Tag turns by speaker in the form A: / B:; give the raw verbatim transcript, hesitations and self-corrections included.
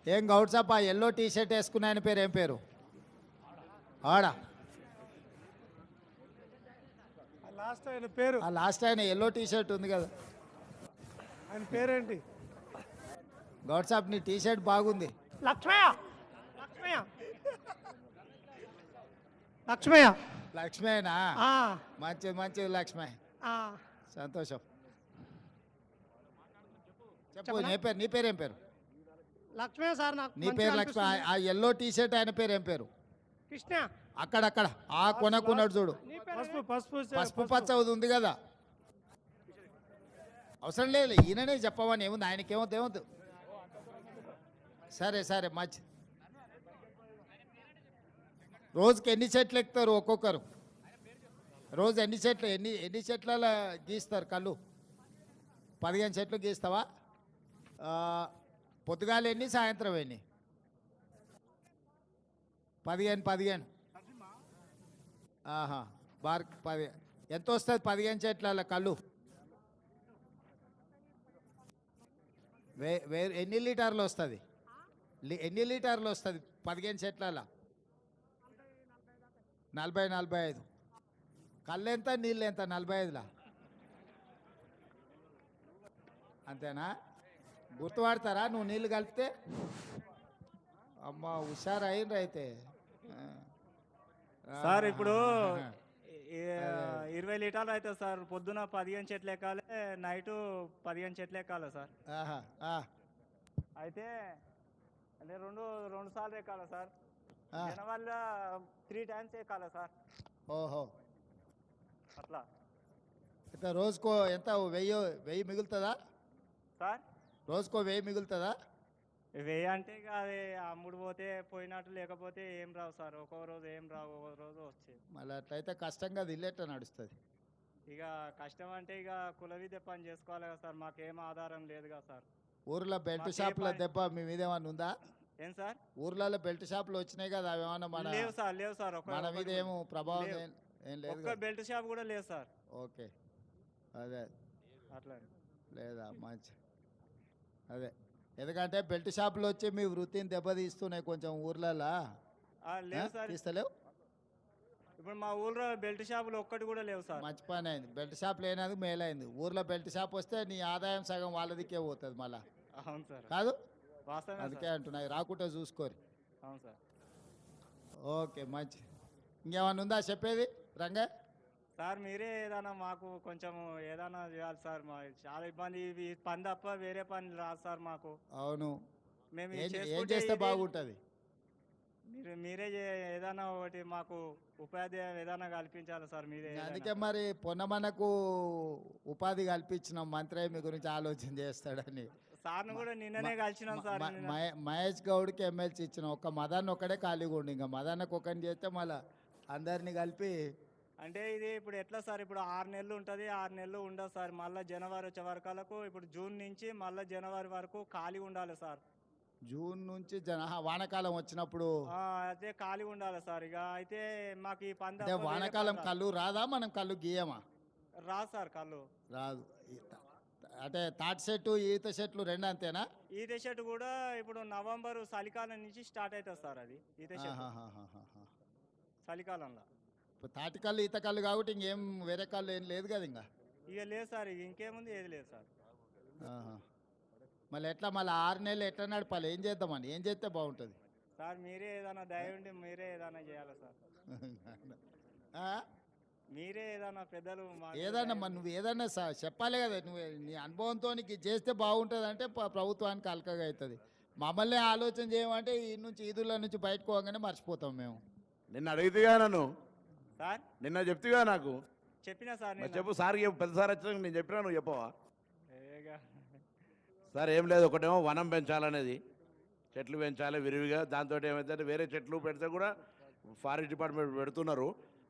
A: ఏం Goudsappa yellow T shirt వేసుకున్న ఆయన పేరు ఏం పేరు? ఆడా
B: లాస్ట్ ఆయన పేరు
A: ఆ లాస్ట్ ఆయన ఎల్లో టీ షర్ట్ ఉంది కదా,
B: ఆయన పేరేంటి?
A: గౌడ్సప్ నీ టీ షర్ట్ బాగుంది.
B: లక్ష్మయ్య లక్ష్మయ్య లక్ష్మయ్య
A: లక్ష్మేనా?
B: ఆ,
A: మంచిది మంచిది లక్ష్మే,
B: ఆ.
A: సంతోషం. చెప్పు
B: చెప్పనా?
A: నీ పేరు నీ పేరు ఏం పేరు?
B: లక్ష్మయ్య సార్ నాకు
A: నీ
B: మంచిగా
A: పేరు లక్ష్మి.
B: అనిపిస్తుంది.
A: ఆ ఎల్లో టీ షర్ట్ ఆయన పేరు ఏం పేరు?
B: కృష్ణ.
A: అక్కడక్కడ ఆ కొనకున్నాడు చూడు,
B: నీ పేరు పసుపు పసుపు
A: పసుపు పచ్చ ఉంది కదా. అవసరం లేదు, ఈయననే చెప్పమని ఏముంది, ఆయనకేమవుతుంది ఏమవుతుంది. సరే సరే మంచి. రోజుకి ఎన్ని చెట్లు ఎక్కుతారు ఒక్కొక్కరు? రోజు ఎన్ని చెట్లు ఎన్ని ఎన్ని చెట్ల గీస్తారు కళ్ళు? పదిహేను చెట్లు గీస్తావా? ఆ, పొద్దుగాల ఎన్ని, సాయంత్రం ఎన్ని? పదిహేను పదిహేను ఆహా, బార్ పది ఎంత వస్తుంది పదిహేను చెట్ల కళ్ళు? వే వే ఎన్ని లీటర్లు వస్తుంది? ఎన్ని లీటర్లు వస్తుంది పదిహేను చెట్ల? నలభై నలభై ఐదు. కళ్ళు ఎంత, నీళ్ళు ఎంత? నలభై ఐదులా అంతేనా? గుర్తుపడతారా నువ్వు నీళ్ళు కలిపితే? అమ్మ హుషారు అయిండ్రు అయితే.
C: సార్ ఇప్పుడు ఇరవై లీటర్లు అవుతుంది సార్. పొద్దున పదిహేను చెట్లు ఎక్కాలి, నైటు పదిహేను చెట్లు ఎక్కాలి సార్.
A: ఆహా, ఆ,
C: అయితే అంటే రెండు రెండు సార్లు ఎక్కాలి సార్.
A: ఆ.
C: వల్ల త్రీ టైమ్స్ ఎక్కాలి సార్.
A: ఓహో,
C: అట్లా
A: అయితే రోజుకో ఎంత, వెయ్యి వెయ్యి మిగులుతుందా?
C: సార్
A: రోజుకో వెయ్యి మిగులుతుందా?
C: వెయ్యి అంటే ఇక అది అమ్ముడు పోతే పోయినట్టు, లేకపోతే ఏం రావు సార్. ఒక్కో రోజు ఏం రావు, ఒక్కో రోజు వచ్చేది.
A: మళ్ళీ అట్లయితే కష్టంగా అది ఇల్లేట నడుస్తుంది.
C: ఇక కష్టం అంటే ఇక కుల విద్య పని చేసుకోవాలి కదా సార్. మాకేం ఆధారం లేదు కదా సార్.
A: ఊర్లో బెల్ట్
C: మాకే
A: షాపుల
C: పని-
A: దెబ్బ మీ మీద ఏమన్నా ఉందా?
C: ఏం సార్?
A: ఊర్లలో బెల్ట్ షాపులు వచ్చినాయి కదా, అవి ఏమన్నా మన
C: లేవు సార్, లేవు సార్. ఒక్క
A: మన మీద
C: ఒక్కటి
A: ఏమో ప్రభావం
C: లేవు.
A: ఏం ఏం లేదు
C: ఒక్క
A: కదా?
C: బెల్ట్ షాప్ కూడా లేదు సార్.
A: ఓకే, అదే
C: అట్లా
A: లేదా మంచి. అదే ఎందుకంటే బెల్ట్ షాపులు వచ్చి మీ వృత్తిని దెబ్బతీస్తున్నాయి కొంచెం ఊర్లలో.
C: ఆ, లేవు సార్.
A: తీస్తలేవు?
C: ఇప్పుడు మా ఊళ్ళో బెల్ట్ షాపులు ఒక్కటి కూడా లేవు సార్.
A: మంచి పని అయింది, బెల్ట్ షాప్ లేనది మేలైంది. ఊర్లో బెల్ట్ షాప్ వస్తే నీ ఆదాయం సగం వాళ్ళదికే పోతుంది మళ్ళా,
C: అవును సార్,
A: కాదు?
C: వాస్తవమే
A: అందుకే
C: సార్.
A: అంటున్నాయి, రాకుంటే చూసుకోరు.
C: అవును సార్.
A: ఓకే మంచి. ఇంకేమన్నా ఉందా చెప్పేది రంగా?
C: సార్ మీరే ఏదైనా మాకు కొంచెం ఏదైనా చేయాలి సార్. మా చాలా ఇబ్బంది, ఇవి పని తప్ప వేరే పని రాదు సార్ మాకు.
A: అవును,
C: మేము ఇది
A: ఏం ఏం
C: చేసుకుంటే
A: చేస్తే
C: ఇది-
A: బాగుంటుంది?
C: మీరు మీరే చే- ఏదైనా ఒకటి మాకు ఉపాధి ఏదైనా కల్పించాలి సార్. మీరే ఏదైనా.
A: అందుకే మరి పొన్నమనకు ఉపాధి కల్పించిన మంత్రి మీ గురించి ఆలోచన చేస్తాడని.
C: సార్ను కూడా నిన్ననే కలిసినాం సార్.
A: మ-
C: నిన్న.
A: మహే- మహేష్ గౌడ్కి ఎమ్మెల్సీ ఇచ్చిన ఒక్క మదన్ ఒక్కడే ఖాళీగా ఉండి, ఇంకా మదన్నకు ఒకరిని చేస్తే మళ్ళీ అందరినీ కలిపి.
C: అంటే ఇది ఇప్పుడు ఎట్లా సార్? ఇప్పుడు ఆరు నెలలు ఉంటుంది, ఆరు నెలలు ఉండదు సార్. మళ్ళీ జనవరి వచ్చే వరకు, ఇప్పుడు జూన్ నుంచి మళ్ళీ జనవరి వరకు ఖాళీ ఉండాలి సార్.
A: జూన్ నుంచి జన ఆహా, వానాకాలం వచ్చినప్పుడు.
C: ఆ, అయితే ఖాళీ ఉండాలి సార్. ఇక అయితే మాకు ఈ పంద
A: అంటే వానాకాలం కళ్ళు రాదా? మనం కళ్ళు గీయమా?
C: రాదు సార్ కళ్ళు.
A: రాదు. ఈ- అంటే తాటి చెట్టు ఈత చెట్లు రెండు అంతేనా?
C: ఈత చెట్టు కూడా ఇప్పుడు నవంబర్ చలికాలం నుంచి స్టార్ట్ అవుతుంది సార్. అది ఈత చెట్టు
A: ఆహాహాహాహా.
C: చలికాలంలో.
A: ఇప్పుడు తాటి కళ్ళు ఈత కళ్ళు కాబట్టి ఇంకేం వేరే కళ్ళు ఏం లేదు కదా ఇంకా.
C: ఇక లేదు సార్, ఇక ఇంకేముంది, ఏది లేదు సార్.
A: ఆహా. మళ్ళీ ఎట్లా మళ్ళీ ఆరు నెలలు ఎట్లా నడపాలి? ఏం చేద్దామని, ఏం చేస్తే బాగుంటుంది?
C: సార్ మీరే ఏదైనా దయ ఉండి మీరే ఏదైనా చేయాలి సార్.
A: ఆ?
C: మీరే ఏదైనా పెద్దలు మాకు
A: ఏదన్నా
C: దయ
A: మరి నువ్వు ఏదన్నా స- చెప్పాలి కదా. నువ్వు నీ అనుభవంతో నీకు ఇది చేస్తే బాగుంటుంది అంటే ప- ప్రభుత్వానికి అలకగా అవుతుంది. మమ్మల్ని ఆలోచన చేయమంటే ఈ నుంచి ఈదుల నుంచి బయటకు పోగానే మర్చిపోతాం మేము.
D: నిన్న అడిగితేగా నన్ను,
C: సార్
D: నిన్న చెప్తిగా నాకు.
C: చెప్పినా సార్
D: మరి
C: నేను.
D: చెప్పు సార్, చెప్పు. పెద్ద సార్ వచ్చినాక నేను చెప్పినా, నువ్వు చెప్పవా?
C: ఏగా.
D: సార్ ఏం లేదు, ఒకటేమో వనం పెంచాలనేది, చెట్లు పెంచాలి విరివిగా. దాంతో ఏమైతే వేరే చెట్లు పెడితే కూడా ఫారెస్ట్ డిపార్ట్మెంట్ పెడుతున్నారు.